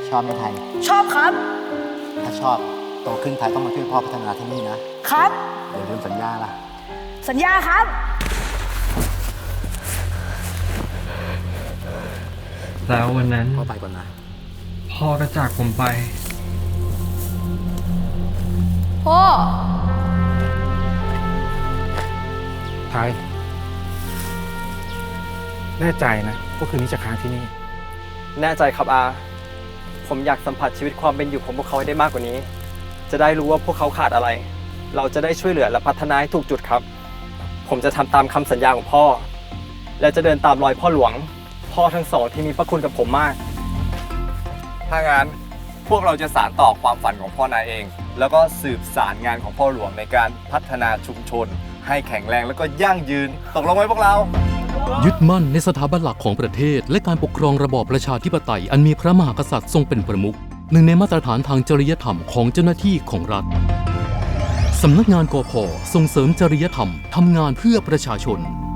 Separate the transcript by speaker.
Speaker 1: ชอบไหมไทย
Speaker 2: ชอบครับ
Speaker 1: ถ้าชอบโตขึ้นไทยต้องมาช่วยพ่อพัฒนาที่นี่นะครับ อย่าลืมสัญญาล่ะ
Speaker 2: สัญญาครับ
Speaker 3: แล้ววันนั้น
Speaker 1: พ่อไปก่อนนะ
Speaker 3: พ่อก็จากผมไป
Speaker 4: พ่อ
Speaker 5: ไทยแน่ใจนะว่าคืนนี้จะค้างที่นี่
Speaker 6: แน่ใจครับอา ผมอยากสัมผัสชีวิตความเป็นอยู่ของพวกเขาให้ได้มากกว่านี้ จะได้รู้ว่าพวกเขาขาดอะไร เราจะได้ช่วยเหลือและพัฒนาให้ถูกจุดครับ ผมจะทำตามคำสัญญาของพ่อ และจะเดินตามรอยพ่อหลวง พ่อทั้งสองที่มีพระคุณกับผมมาก
Speaker 7: ถ้างั้นพวกเราจะสานต่อความฝันของพ่อนายเอง แล้วก็สืบสารงานของพ่อหลวงในการพัฒนาชุมชน ให้แข็งแรงแล้วก็ยั่งยืนตกลงไหมพวกเรา
Speaker 8: ยึดมั่นในสถาบันหลักของประเทศและการปกครองระบอบประชาธิปไตยอันมีพระมหากษัตริย์ทรงเป็นประมุขหนึ่งในมาตรฐานทางจริยธรรมของเจ้าหน้าที่ของรัฐสำนักงานกพ.ส่งเสริมจริยธรรมทำงานเพื่อประชาชน